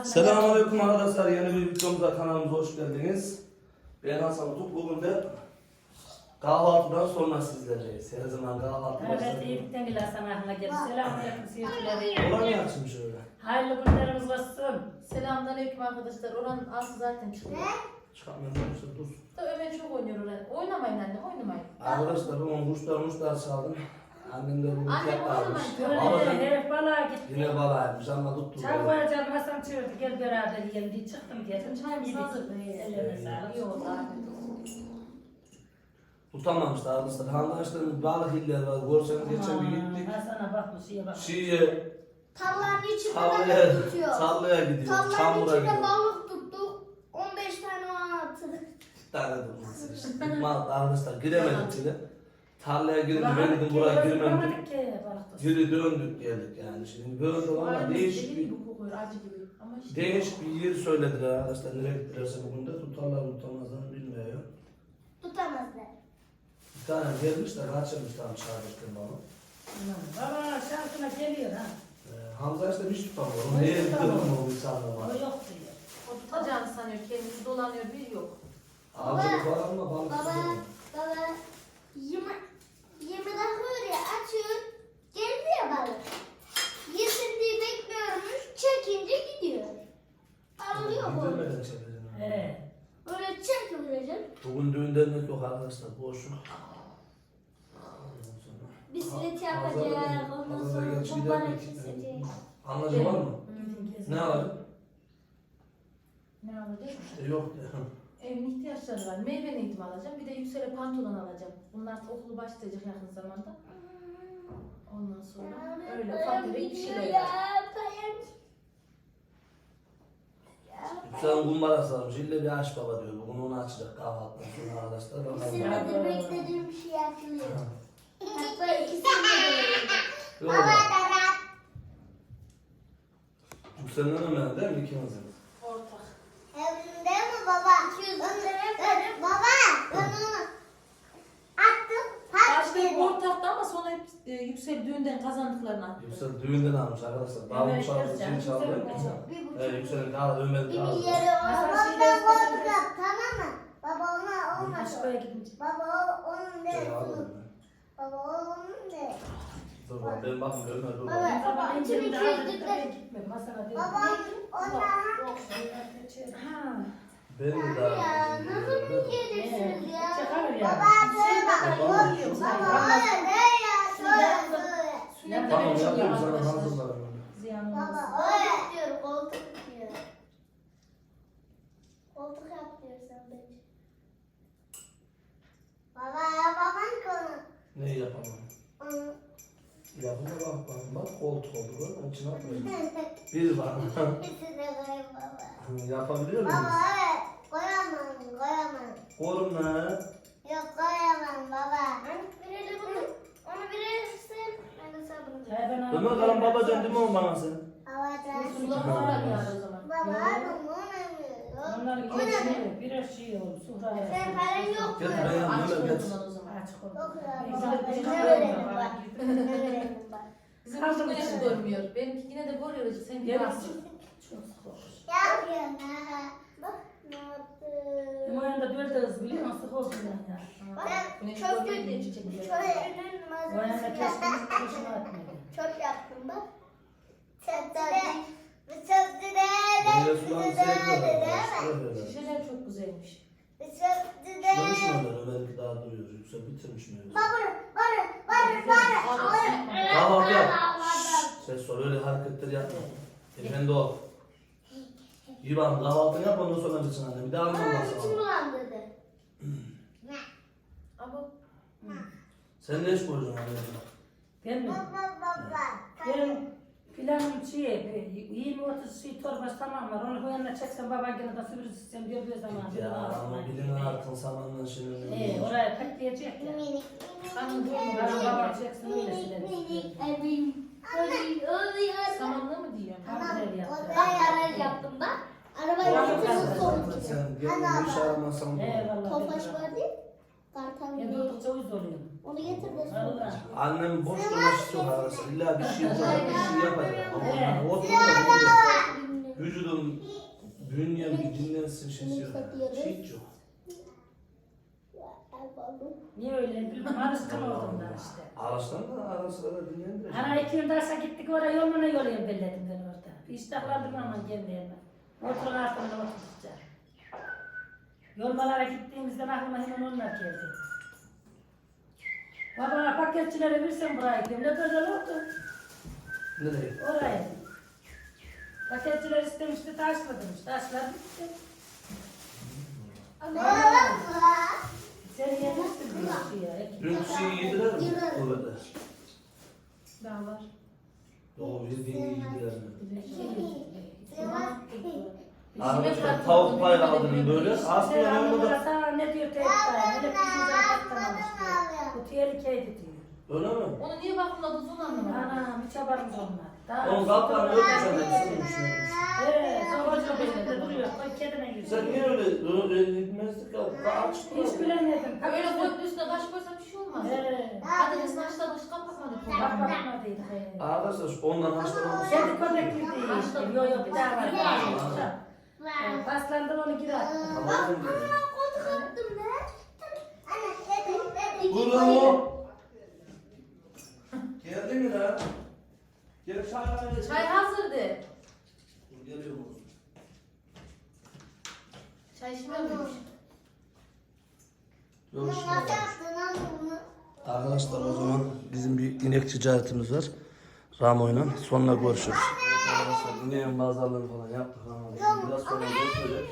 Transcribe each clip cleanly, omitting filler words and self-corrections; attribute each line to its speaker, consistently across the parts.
Speaker 1: Selamünaleyküm arkadaşlar. Yeni bir videomuza kanalımıza hoş geldiniz. Ben Hasan Utuk. Bugün de kahvaltıdan sonra sizlerleyiz. Her zaman kahvaltı başladı.
Speaker 2: Evet, iyilikten gel Hasan Ahmet'e geldi. Selamünaleyküm seyirciler.
Speaker 1: Olan mı açmış öyle?
Speaker 2: Hayırlı günlerimiz olsun.
Speaker 3: Selamünaleyküm arkadaşlar. Oranın altı zaten çıkıyor.
Speaker 1: Çıkartmıyorum yoksa dur.
Speaker 3: Da Ömer çok oynuyor oraya. Oynamayın anne, oynamayın.
Speaker 1: Arkadaşlar ben kuşlar çaldım. Annem de bugün
Speaker 3: Annem
Speaker 1: tek almış.
Speaker 2: Böyle herif balığa gitti.
Speaker 1: Yine balağıymış ama tuttu.
Speaker 2: Çay koyacağım Hasan çığırdı. Gel beraber yiyelim diye çıktım geldim.
Speaker 3: Çayımız
Speaker 2: Yedik.
Speaker 3: hazır.
Speaker 2: Ellerine sağlık.
Speaker 3: İyi oldu abi.
Speaker 1: Tutamamışlar arkadaşlar. Handaşların balık iller var. Görseniz geçen bir gittik.
Speaker 2: Hasan'a bakmış, şeye bakmış.
Speaker 1: Şiye,
Speaker 4: Tarlanın içinde balık tutuyor.
Speaker 1: tarlaya gidiyor.
Speaker 4: Tarlanın
Speaker 1: Çamura
Speaker 4: içinde
Speaker 1: gidiyor.
Speaker 4: balık tuttuk. 15 tane attık.
Speaker 1: Bir tane durması işte. Mal arkadaşlar giremedik içine. Tarlaya girince ben
Speaker 2: Bakmadık
Speaker 1: dedim
Speaker 2: ki,
Speaker 1: buraya
Speaker 2: bakmadık
Speaker 1: girmem.
Speaker 2: ki, balık tutsun.
Speaker 1: Geri döndük geldik yani. Şimdi böyle de valla değişik bir,
Speaker 3: gibi kokuyor, acı gibi. Ama işte
Speaker 1: değişik bir yer söylediler arkadaşlar. Nereye gittilerse bugün de tutarlar tutamazlar bilmiyorum.
Speaker 4: Tutamazlar.
Speaker 1: Bir tane gelmiş de kaçırmış tam çağırmıştım bana.
Speaker 2: Baba şansına geliyor ha.
Speaker 1: Hamza işte hiç tutamıyor. Onu
Speaker 2: Hiç
Speaker 1: neye
Speaker 2: tutamıyor.
Speaker 1: kırdım o bir tane
Speaker 2: O
Speaker 1: var.
Speaker 2: yok diyor.
Speaker 3: o tutacağını sanıyor, kendisi dolanıyor, bir yok.
Speaker 1: Avcılık var ama balık
Speaker 4: Baba,
Speaker 1: tutamıyor.
Speaker 4: baba. 20 dakika oraya açıyor. Geldi ya balık. Yesin diye bekliyormuş. Çekince gidiyor. Alıyor bu.
Speaker 1: Gidemeden çekeceğim.
Speaker 2: He.
Speaker 4: Böyle çekilecek.
Speaker 1: Bugün düğünden yok arkadaşlar. Boşluk.
Speaker 4: Bisiklet
Speaker 1: Ha-
Speaker 4: yapacak.
Speaker 1: Hazırda-
Speaker 4: Ondan
Speaker 1: hazırda
Speaker 4: sonra
Speaker 1: gerçi
Speaker 4: kumbara
Speaker 1: gidelim.
Speaker 4: kesecek.
Speaker 1: Anlaşılır var mı?
Speaker 2: Gidin gezin.
Speaker 1: Ne alacak?
Speaker 3: Ne alacak?
Speaker 1: İşte yok de.
Speaker 3: Evin ihtiyaçları var. Meyve eğitimi alacağım, bir de yüksele pantolon alacağım. Bunlar okulu başlayacak yakın zamanda. Ondan sonra öyle ufak tefek bir şeyler yapacağım.
Speaker 1: Yüksel'in kumbarası varmış. İlle bir aç baba diyor. Bugün onu açacak kahvaltıdan sonra arkadaşlar.
Speaker 4: Bir
Speaker 1: Bakalım.
Speaker 4: senedir beklediğim bir şey açılıyor. Hatta 2 senedir.
Speaker 1: Yok. Yüksel'in önemli değil mi ikimizin?
Speaker 3: Ortak.
Speaker 4: Evinde mi baba? 200 lira. Baba ben onu attım. Pat
Speaker 3: Başta hep
Speaker 4: dedi.
Speaker 3: ortaktı ama sonra hep yüksel düğünden kazandıklarını attı.
Speaker 1: Yüksel düğünden almış arkadaşlar. Davul
Speaker 2: Evet,
Speaker 1: çaldı,
Speaker 2: gerçekten.
Speaker 1: şey çaldı.
Speaker 2: Güzel.
Speaker 4: Bir buçuk.
Speaker 1: Evet Yüksel'in kahve Ömer'in
Speaker 4: Bir
Speaker 1: kahve.
Speaker 4: milyarı
Speaker 2: Hasan
Speaker 4: ondan
Speaker 2: şeyleri
Speaker 4: koltuk yap, tamam mı? Baba ona olmadı.
Speaker 2: Aşkoya gidince.
Speaker 4: Baba onun
Speaker 1: Şey
Speaker 4: de.
Speaker 1: aldım ben.
Speaker 4: Baba onun de.
Speaker 1: Dur bak ben bakmıyorum Ömer dur.
Speaker 4: Baba.
Speaker 1: bak.
Speaker 2: Sabah
Speaker 4: İçim
Speaker 2: ince bir
Speaker 4: içim
Speaker 2: daha
Speaker 4: içim.
Speaker 2: da gitmedim. Hasan'a dedim.
Speaker 4: Baba ondan.
Speaker 2: Ha.
Speaker 1: Ben de
Speaker 4: Ya
Speaker 1: daha.
Speaker 4: nasıl yedirsiniz ya?
Speaker 2: Çıkar ya.
Speaker 4: Baba şöyle bak.
Speaker 1: Baba.
Speaker 4: Baba öyle ne ya? Şöyle şöyle.
Speaker 3: Sürekli
Speaker 1: Tamam
Speaker 3: ben çıkıyorum
Speaker 1: yapıyorum sana
Speaker 3: arkadaşlar.
Speaker 1: hazırlarım.
Speaker 2: Ziyan
Speaker 4: Baba
Speaker 2: olmasın.
Speaker 4: öyle diyor koltuk diyor. Koltuk yap diyor sen bence. Baba yapamam ki onu.
Speaker 1: Ne yapamam?
Speaker 4: Onu.
Speaker 1: Yapıma bak bak. Bak koltuk oldu. Bak onun için atmayın. Bir var.
Speaker 4: İkisine koyayım baba.
Speaker 1: Yapabiliyor
Speaker 4: Baba
Speaker 1: muyuz?
Speaker 4: evet koyamam.
Speaker 1: Oğlum ne?
Speaker 4: Yok koyamam baba. Birileri bunu. Onu verirsin. Ben de sana bunu
Speaker 2: Çay ben aldım.
Speaker 1: Ömer kalan babacan değil mi o bana sen?
Speaker 4: alacağım.
Speaker 3: Sular falan yani o zaman.
Speaker 4: Baba bunu
Speaker 2: Onların
Speaker 4: O ne?
Speaker 2: geçini birer şey oldu. Suhra'ya.
Speaker 4: Sen paran yok mu?
Speaker 1: Gel buraya
Speaker 3: Açık
Speaker 1: Ömer geç.
Speaker 3: olduğundan o zaman.
Speaker 2: Açık oldu.
Speaker 4: Yok ya
Speaker 2: Biz
Speaker 4: baba.
Speaker 2: de
Speaker 4: Ben
Speaker 2: bir
Speaker 4: ne
Speaker 2: şey
Speaker 4: öğrendim
Speaker 2: yapalım.
Speaker 4: bak. Ne öğrendim bak.
Speaker 3: Bizim hiç güneş görmüyor. Benimki yine de görüyor. Sen bir
Speaker 2: Gel.
Speaker 3: baksın.
Speaker 2: Çok sık olmuş.
Speaker 4: Yapıyorsun ha. Bak ne yaptın.
Speaker 2: Bu yanında böyle de hız biliyor musun? Sık olsun ya.
Speaker 4: Ben
Speaker 3: Güneş
Speaker 4: çok
Speaker 3: görmüyor diye
Speaker 4: kötü.
Speaker 3: çiçek yiyor.
Speaker 4: Şöyle
Speaker 2: Bu yanında kestim. Kuşuma atmadı.
Speaker 4: çok yaptım bak.
Speaker 1: Meyve sularını sevmiyorum.
Speaker 3: Şişeler çok güzelmiş.
Speaker 1: Çıkmış mı Ömer? Ömer'inki daha duruyor. Yüksel bitirmiş meyve. Kahvaltı yap. Ses sor öyle hareketler yapma. Efendi ol. İvan kahvaltını yap ondan sonra bitsin anne. Bir daha almam lazım.
Speaker 3: Ama
Speaker 1: Sen ne iş koyacaksın anne?
Speaker 2: Ben mi? Benim planım şey, 20-30 şey torbası tamam var. Onu bu yanına çeksen baban gene de süpürürsün diyor bir zaman.
Speaker 1: Ya ama bilin artık samanla şimdi.
Speaker 2: Oraya katlayacak ya.
Speaker 3: kanın
Speaker 2: Bana
Speaker 3: durmuyor.
Speaker 2: baba çeksin öyle silerim.
Speaker 3: Samanlı mı diyor?
Speaker 4: Yaptım bak. Arabayı getirsin sonuç.
Speaker 1: Sen gelin bir şey aramazsan bu.
Speaker 2: Eyvallah.
Speaker 4: Tofaş var değil. Kartal
Speaker 2: Ben
Speaker 4: değil.
Speaker 2: durdukça uyuz oluyorum.
Speaker 4: Onu getir de sonuç.
Speaker 2: Valla.
Speaker 1: Annem boş durmak istiyor arası. İlla bir şey yapacak, bir şey yapacak. Ama
Speaker 2: Evet.
Speaker 1: o oturma değil. Vücudum bünyem bir dinlensin şişiyor. Hiç yok.
Speaker 2: Niye öyle bilmem alışkın oldum da işte.
Speaker 1: Ağaçtan da ara sıra da dinlendireceğim.
Speaker 2: Ana 2 yıl derse gittik oraya yoluna yollayayım belledim ben orada. İştahlandım ama gelmeyemem. Motorun altında oturdukça. Yolmalara gittiğimizde aklıma hemen onlar geldi. Baba paketçilere versem burayı diyorum. Ne güzel oldu.
Speaker 1: Nereye?
Speaker 2: Oraya. Paketçiler istemişti taşladırmış. Taşlar bitti. Sen yemişsin bir şey ya.
Speaker 1: Dün şeyi yediler mi? Orada.
Speaker 3: Daha var.
Speaker 1: Doğru yediğini yediler mi?
Speaker 3: İçime
Speaker 1: Arkadaşlar tavuk pay aldım böyle.
Speaker 2: Sen
Speaker 1: Aslında yanımda da...
Speaker 2: sana ne diyor teyze? Hele bizim patlamamış diyor. Bu tehlikeydi diyor.
Speaker 1: Öyle mi?
Speaker 3: Onu niye bakmadınız onu anlamadım.
Speaker 2: Anam hiç haberimiz olmadı. Daha
Speaker 1: Onun kaplarını öpeceğim ben düşünüyorum.
Speaker 2: Evet, savacı belirde duruyor. Koy kedine
Speaker 1: Sen
Speaker 2: giriyor.
Speaker 1: niye öyle gitmezdik ya? Açık
Speaker 2: Hiç bilemedim.
Speaker 3: Öyle koyup üstüne kaş koysam bir şey olmaz.
Speaker 2: Evet.
Speaker 3: Hadi biz başta başı kapatmadık.
Speaker 2: Bak bakmadıydı. Evet.
Speaker 1: Arkadaşlar ondan hastalanmış.
Speaker 2: Kendi köpekli değil işte. Yo yo bir daha var. Paslandım onu geri attım.
Speaker 1: Tamam mı?
Speaker 4: Koltuk attım ben. Anne,
Speaker 1: Bunu. Geldi mi lan? Gel çay.
Speaker 3: Çay hazırdı.
Speaker 1: Geliyor mu?
Speaker 3: Çay şimdi miymiş?
Speaker 1: Görüşürüz.
Speaker 4: Nasıl yaptın lan bunu?
Speaker 1: Arkadaşlar o zaman bizim bir inek ticaretimiz var. Ramo'yla. Sonra görüşürüz. Arkadaşlar ineğin pazarlığını falan yaptık. Biraz sonra görüşürüz.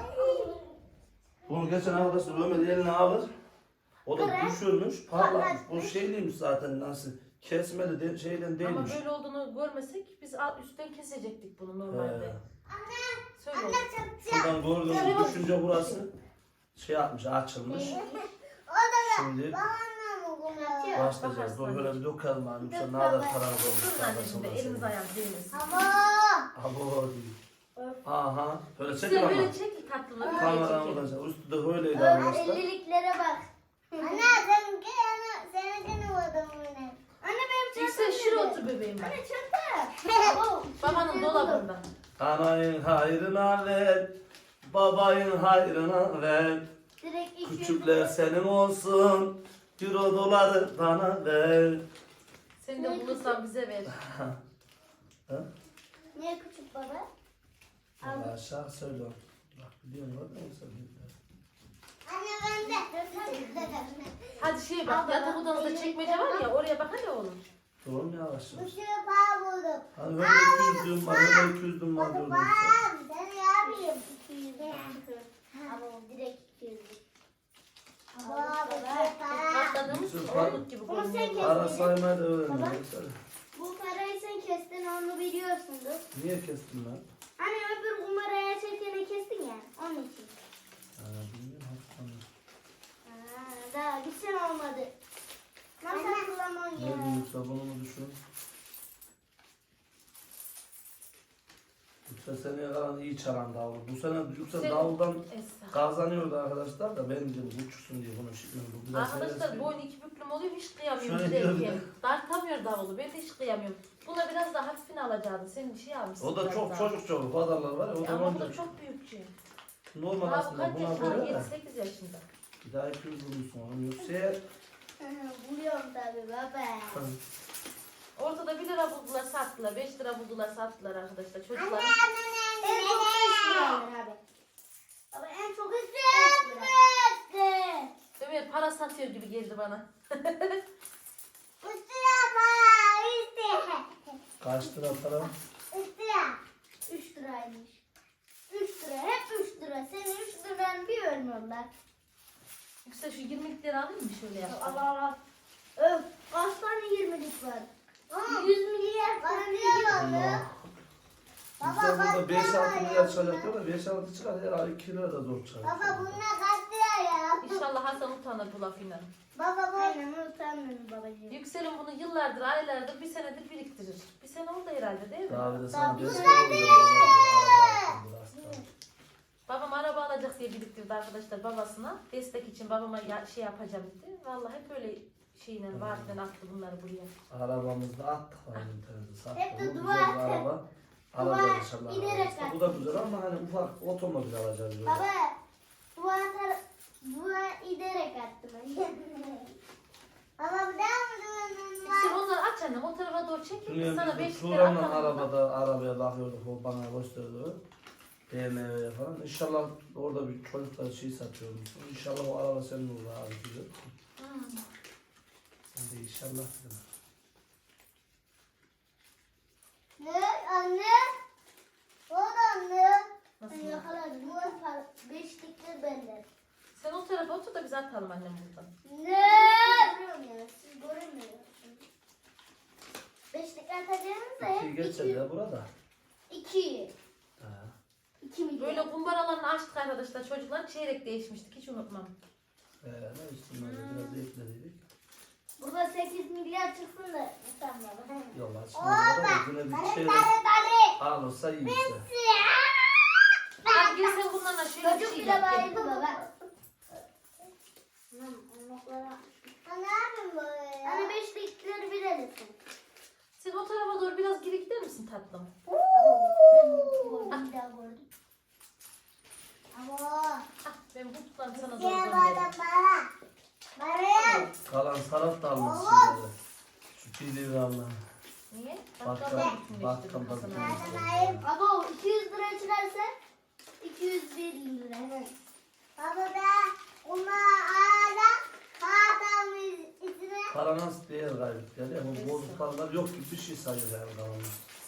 Speaker 1: Bunu geçen arkadaşlar Ömer eline alır. O da düşürmüş, parlamış. Bu şeyliymiş zaten nasıl kesmeli de, şeyden
Speaker 3: Ama
Speaker 1: değilmiş.
Speaker 3: böyle olduğunu görmesek biz üstten kesecektik bunu normalde. Söyle.
Speaker 1: Şuradan gördüğünüz düşünce burası şey yapmış, açılmış. Şimdi başlayacağız. Böyle bir dökelim abi. Yoksa ne kadar paramız olmuş.
Speaker 3: Şuradan şimdi elimiz ayağımız değmesin.
Speaker 1: Abo diyor. Aha. Böyle çekin
Speaker 3: Size
Speaker 1: ama.
Speaker 3: böyle çekil tatlını.
Speaker 1: Kameradan olacak. Üstü de böyleydi arkadaşlar.
Speaker 4: Elliliklere bak. Anne seninkini vurdum yine. Anne benim
Speaker 3: İşte şuraya otur bebeğim bak.
Speaker 4: çanta.
Speaker 3: Babanın dolabında.
Speaker 1: Anayın hayrına ver. Babayın hayrına ver.
Speaker 4: Direkt iki.
Speaker 1: Küçükler senin olsun. Euro doları bana ver.
Speaker 3: Seni de bulursan bize ver.
Speaker 1: Ha?
Speaker 4: Niye küçük baba?
Speaker 1: Allah aşağı söyle. Bak biliyorum bak ne söyleyeyim.
Speaker 4: Anne ben de.
Speaker 3: Hadi şeye bak yatak odanızda çekmece var ya oraya bak hadi oğlum.
Speaker 1: Doğru mu yavaş yavaş?
Speaker 4: Bir sürü para buldum.
Speaker 1: Hani öyle 200 dün var, öyle 200 dün var diyordum sen.
Speaker 4: Seni yapayım. 200. Ama direkt 200. Baba
Speaker 3: Katladığımız
Speaker 1: Yusuf,
Speaker 3: oğluk gibi
Speaker 4: Bunu sen
Speaker 3: görünüyor.
Speaker 4: kes.
Speaker 1: Ara saymayı da öğrendim.
Speaker 4: bu parayı sen kestin onu biliyorsundur.
Speaker 1: Niye kestin lan?
Speaker 4: Hani öbür kumaraya çekene kestin ya onun için.
Speaker 1: Bilmiyorum.
Speaker 4: Daha gitsen olmadı. Nasıl kullanman
Speaker 1: Ne
Speaker 4: ya?
Speaker 1: büyük sabunumu düşün. Yüksel seneye kalan iyi çalan davul. Bu sene Yüksel davuldan
Speaker 3: Esra.
Speaker 1: kazanıyordu arkadaşlar da ben dedim uçsun diye bunu şıkmıyorum. Bu biraz
Speaker 3: Arkadaşlar
Speaker 1: heves
Speaker 3: boyun iki büklüm oluyor hiç kıyamıyorum
Speaker 1: Şöyle
Speaker 3: giderken.
Speaker 1: diyorum.
Speaker 3: Dartamıyor davulu ben de hiç kıyamıyorum. Buna biraz daha hafifini alacaktı senin şey almışsın.
Speaker 1: O da
Speaker 3: biraz
Speaker 1: çok
Speaker 3: daha.
Speaker 1: çocuk pazarlar var ya o
Speaker 3: Ama bu
Speaker 1: zaman
Speaker 3: da çok büyükçe.
Speaker 1: normal
Speaker 3: Daha bu
Speaker 1: aslında
Speaker 3: kaç
Speaker 1: buna
Speaker 3: yaşında?
Speaker 1: göre de
Speaker 3: 7-8 yaşında.
Speaker 1: bir daha 200 vurmuşsun onu yoksa
Speaker 4: Buluyorum tabii baba.
Speaker 3: Ortada 1 lira buldular sattılar, 5 lira buldular sattılar arkadaşlar
Speaker 4: Anne
Speaker 3: çocuklar.
Speaker 4: anne anne. En çok 5 lira alır abi. Baba en çok 5 lira.
Speaker 3: Ömer para satıyor gibi geldi bana.
Speaker 4: 3 lira para işte.
Speaker 1: kaç lira para?
Speaker 4: 3 lira. 3 liraymış. 3 lira hep 3 lira. Senin 3 liranı bir ölmüyorlar.
Speaker 3: Yüksel şu 20'lik lira alayım mı şöyle yap?
Speaker 4: Allah Allah. Öf. Kaç tane 20'lik var? 100 milyar para diyor.
Speaker 1: Yüksel burada 5-6 milyar çıkacak diyor da 5-6 çıkar herhalde 2 lira da zor çıkar.
Speaker 4: Baba bunlar kaç lira ya?
Speaker 3: İnşallah Hasan utanır bu lafıyla.
Speaker 4: Baba bu. Aynen utanmıyorum babacığım.
Speaker 3: Yüksel'in bunu yıllardır, aylardır, bir senedir biriktirir. Bir sene oldu herhalde değil mi?
Speaker 1: Daha bir de sana
Speaker 4: Tabii.
Speaker 1: destek olacak.
Speaker 3: Babam araba alacak diye biriktirdi arkadaşlar babasına. Destek için babama şey yapacağım dedi. Vallahi hep öyle şeyle vaatlen attı bunları buraya.
Speaker 1: Arabamızda attık var internette sattık.
Speaker 4: Hep de
Speaker 1: Güzel
Speaker 4: dua
Speaker 1: bir
Speaker 4: et.
Speaker 1: araba. Alacağız inşallah.
Speaker 4: İnerek
Speaker 1: İşte bu da güzel ama hani ufak otomobil alacağız böyle.
Speaker 4: Baba, dua giderek attım. Baba bir daha mı duvarın var?
Speaker 3: Sen onları aç annem o tarafa doğru çek.
Speaker 1: Dün
Speaker 3: Sana
Speaker 1: biz
Speaker 3: 5 lira
Speaker 1: Turan'la
Speaker 3: atalım.
Speaker 1: arabaya bakıyorduk, o bana gösterdi. BMW'ye falan. İnşallah orada bir çocuklar şey satıyormuşsun. İnşallah o araba senin olur abi diyor. Ben de inşallah dedim.
Speaker 4: Ne anne? O da anne.
Speaker 3: Nasıl?
Speaker 4: Ben yakaladım. Bu beşlikler benden.
Speaker 3: Sen o tarafa otur da biz atalım annem buradan.
Speaker 4: Ne? Görüyorum ya. Siz göremiyorsunuz. Beşlikler atacağınız da
Speaker 1: İkiyi
Speaker 4: hep
Speaker 1: geçer ya burada.
Speaker 4: 2.
Speaker 1: Ha.
Speaker 4: 2 milyon.
Speaker 3: Böyle kumbaralarını açtık arkadaşlar. Çocuklar çeyrek değişmiştik. Hiç unutmam.
Speaker 1: Ne üstüne biraz ekledik.
Speaker 4: Burada 8 milyar çıksın da utanmadım.
Speaker 1: Yolla şimdi yine bir şey alırsa iyi işte.
Speaker 3: Hadi gel sen bunlarla şöyle bir
Speaker 4: Çocuk
Speaker 3: şey
Speaker 4: bile
Speaker 3: yap.
Speaker 4: bayıldı baba. Ne yapayım böyle ya? Hani beşlikleri bilirsin.
Speaker 3: Sen o tarafa doğru biraz geri gider misin tatlım?
Speaker 4: Ben bir daha gördüm. Ama
Speaker 3: Ah, ben bu tutarım sana doğru
Speaker 4: diğer
Speaker 3: göndereyim.
Speaker 4: adam bana. Bana.
Speaker 1: Kalan salat da almışsın böyle. Şu pili valla.
Speaker 3: Niye?
Speaker 1: Bakkal- bakkal-
Speaker 4: Baba o 200 lira çıkarsa 201 lira. Evet. Baba da ona ağla adamın içine.
Speaker 1: Para nasıl değer kaybetti yani. Bu bozuk paralar yok gibi bir şey sayıyor yani kalanlar.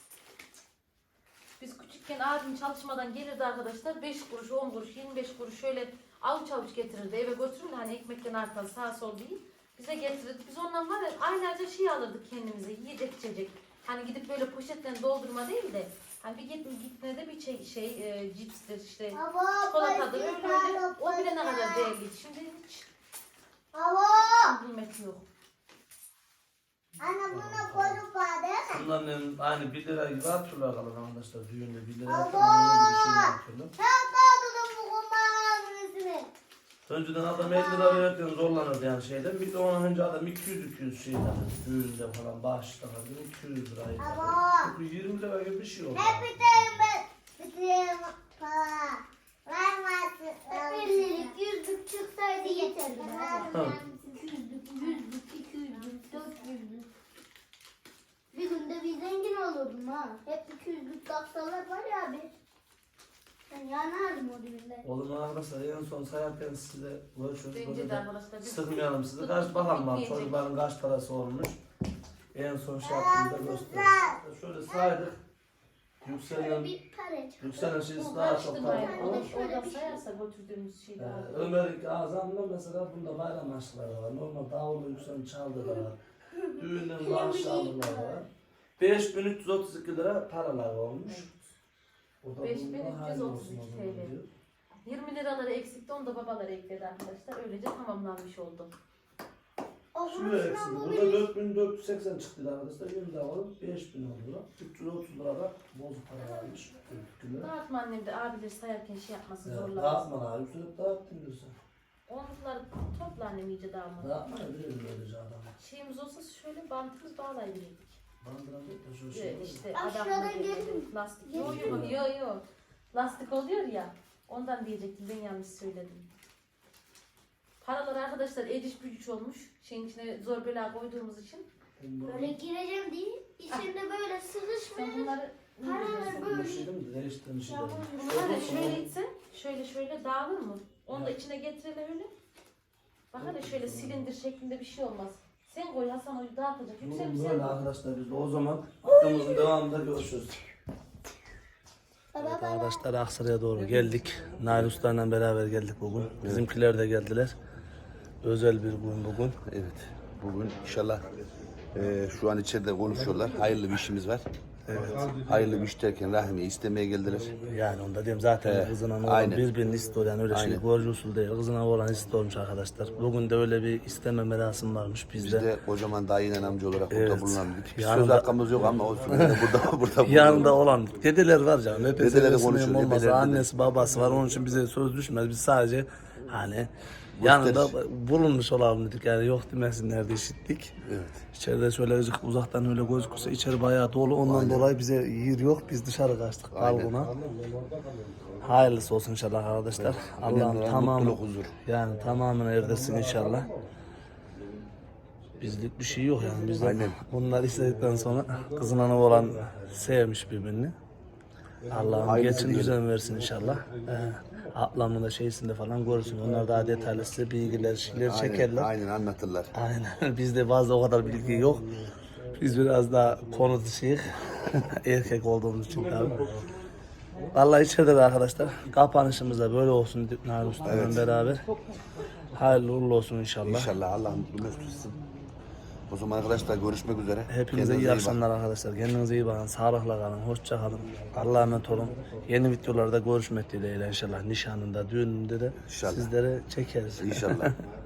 Speaker 3: Biz küçükken abim çalışmadan gelirdi arkadaşlar. 5 kuruş, 10 kuruş, 25 kuruş şöyle avuç avuç getirirdi. Eve götürürdü hani ekmekten artan sağ sol değil. Bize getirirdi. Biz ondan var ya aylarca şey alırdık kendimize. Yiyecek içecek. Hani gidip böyle poşetten doldurma değil de hani bir gitmede de bir cipstir işte
Speaker 4: Baba
Speaker 3: çikolatadır öyle öyle. O bile ne kadar değerliydi. Şimdi hiç
Speaker 4: Baba.
Speaker 3: kıymeti yok.
Speaker 4: Ana buna koyduk bana değil mi?
Speaker 1: Bunların aynı 1 lira gibi atıyorlar kalan arkadaşlar. Düğünde 1 lira
Speaker 4: Allah!
Speaker 1: atıyorlar. Bir şey atıyorlar.
Speaker 4: Sen dağıdın bu kumbağanın ismini.
Speaker 1: Önceden adam 50 lira verirken zorlanırdı yani şeyden. Bir de ondan önce adam 200 şey alırdı. Düğünde falan bağışta alırdı. 200 liraydı.
Speaker 4: Baba.
Speaker 1: Çünkü 20 lira gibi bir şey oldu.
Speaker 4: Hep bitireyim ben. Bitireyim para. Vermezsin. Hep 50'lik 100'lük çıksaydı yeterli. 200'lük, 100'lük, 200'lük, 400'lük. Bir günde bir zengin olurdum ha. Hep 200'lük taksalar var ya abi. Ben yanardım o düğünde.
Speaker 1: Oğlum arkadaşlar en son sayarken size görüşürüz.
Speaker 3: Bence
Speaker 1: Böyle
Speaker 3: de
Speaker 1: de
Speaker 3: arkadaşlar. biz-
Speaker 1: sıkmayalım sizi. Kaç bakalım bak
Speaker 3: Bitmeyecek.
Speaker 1: çocukların kaç parası olmuş. En son şey yaptığımda gösteririz. Şöyle saydık.
Speaker 4: Şöyle
Speaker 1: Yükselen,
Speaker 4: bir para çıktı.
Speaker 1: yükselen şeysi daha çok
Speaker 3: Karıştırma
Speaker 1: para.
Speaker 3: yani.
Speaker 4: O da şöyle
Speaker 3: Oradan
Speaker 4: bir şey.
Speaker 3: sayarsa götürdüğümüz şeyler.
Speaker 1: Ömer'in azamla mesela bunda bayram aşkları var. Normal davullu yükselen çaldı da var. Düğünden bağış aldılar var. 5332 lira paralar olmuş. O da
Speaker 3: 5332
Speaker 1: bundan
Speaker 3: TL.
Speaker 1: diyor.
Speaker 3: 20 liraları eksikti onu da babaları ekledi arkadaşlar. Öylece tamamlanmış oldu.
Speaker 4: O
Speaker 1: Şuraya
Speaker 4: vuruşuna
Speaker 1: eksin.
Speaker 4: bu
Speaker 1: Burada
Speaker 4: bir
Speaker 1: 4480 çıktı arkadaşlar. 20 daha alıp 5000 oldu. 330 lira da bozuk para almış. 42 lira.
Speaker 3: Dağıtma annem de abileri sayarken şey yapmasın
Speaker 1: Evet,
Speaker 3: zorlamasın.
Speaker 1: dağıtma abi. Üstüne dağıttın diyorsun.
Speaker 3: Onlukları topla annem iyice dağılmadı.
Speaker 1: Dağıtma ne bileyim böylece adama.
Speaker 3: Şeyimiz olsa şöyle bantımız bağlayabilirdik.
Speaker 1: Bandıramıyor da şu şey.
Speaker 3: İşte
Speaker 4: Aşağıdan
Speaker 3: adamla
Speaker 4: gelin.
Speaker 3: böyle lastik. Yok. Lastik oluyor ya. Ondan diyecektim ben yanlış söyledim. Paralar arkadaşlar eciş bücüş olmuş. Şeyin içine zor bela koyduğumuz için.
Speaker 4: böyle gireceğim değil. İçinde böyle
Speaker 3: Sen
Speaker 4: sıkışmış.
Speaker 3: bunları
Speaker 4: Paralar böyle.
Speaker 1: Bir şey değil mi? Değiştiğin şey değil.
Speaker 3: Bunlar da şöyle itsen şöyle dağılır mı? Onu da içine getirelim öyle. Bak hele şöyle silindir şeklinde bir şey olmaz. Sen koy Hasan o dağıtacak. Yüksel
Speaker 1: Durun
Speaker 3: güzel.
Speaker 1: böyle arkadaşlar biz de o zaman videomuzun devamında görüşürüz. Evet arkadaşlar Aksaray'a doğru geldik. Nail Usta'yla beraber geldik bugün. Bizimkiler de geldiler. Özel bir gün bugün.
Speaker 5: Evet. Bugün inşallah şu an içeride konuşuyorlar. Hayırlı bir işimiz var.
Speaker 1: Evet.
Speaker 5: Hayırlı bir iş derken Rahmi'yi istemeye geldiler.
Speaker 1: Yani onda diyeyim zaten
Speaker 5: Evet,
Speaker 1: kızına oğlan
Speaker 5: aynen.
Speaker 1: birbirini istiyor yani öyle şey
Speaker 5: Aynen.
Speaker 1: görücü usul değil. Kızına oğlan istiyormuş arkadaşlar. Bugün de öyle bir isteme merasimi varmış
Speaker 5: Biz
Speaker 1: bizde.
Speaker 5: de kocaman dayıyla amca olarak
Speaker 1: Evet.
Speaker 5: burada bulunamadık. Bir
Speaker 1: Yanında-
Speaker 5: söz hakkımız yok ama olsun. Yine burada
Speaker 1: Yanında olan dedeler var canım. Hep
Speaker 5: Dedeleri
Speaker 1: konuşuyor.
Speaker 5: konuşuyor,
Speaker 1: Olmasa
Speaker 5: dedeler,
Speaker 1: annesi babası var. Onun için bize söz düşmez. Biz sadece Hani yanında bulunmuş olalım dedik yani yok demesinler diye işittik.
Speaker 5: Evet.
Speaker 1: İçeride şöyle uzaktan öyle gözükürse içeri bayağı dolu ondan dolayı bize yer yok biz dışarı kaçtık balkona. Hayırlısı olsun inşallah arkadaşlar. Allah'ım tamamı
Speaker 5: mutluluk, huzur.
Speaker 1: yani tamamını erdirsin inşallah. Bizlik bir şey yok yani biz de bunları istedikten sonra kızın ana olan sevmiş birbirini. Allah'ım geçin düzen versin inşallah. Ablamın da şeysinde falan görürsün. Onlar daha detaylı size bilgiler, şeyler çekerler.
Speaker 5: Aynen anlatırlar.
Speaker 1: Aynen. Bizde bazı o kadar bilgi yok. Biz biraz daha konu dışıyız. Erkek olduğumuz için tabii. Vallahi içeride de arkadaşlar kapanışımız da böyle olsun Nail Usta'yla beraber. Hayırlı uğurlu olsun inşallah.
Speaker 5: İnşallah Allah mutlu mesut etsin. O zaman arkadaşlar görüşmek üzere.
Speaker 1: Hepinize iyi akşamlar arkadaşlar. Kendinize iyi bakın. Sağlıkla kalın. Hoşça kalın. Allah'a emanet olun. Yeni videolarda görüşmek dileğiyle inşallah. Nişanında, düğününde de
Speaker 5: İnşallah.
Speaker 1: sizlere çekeriz.
Speaker 5: İnşallah.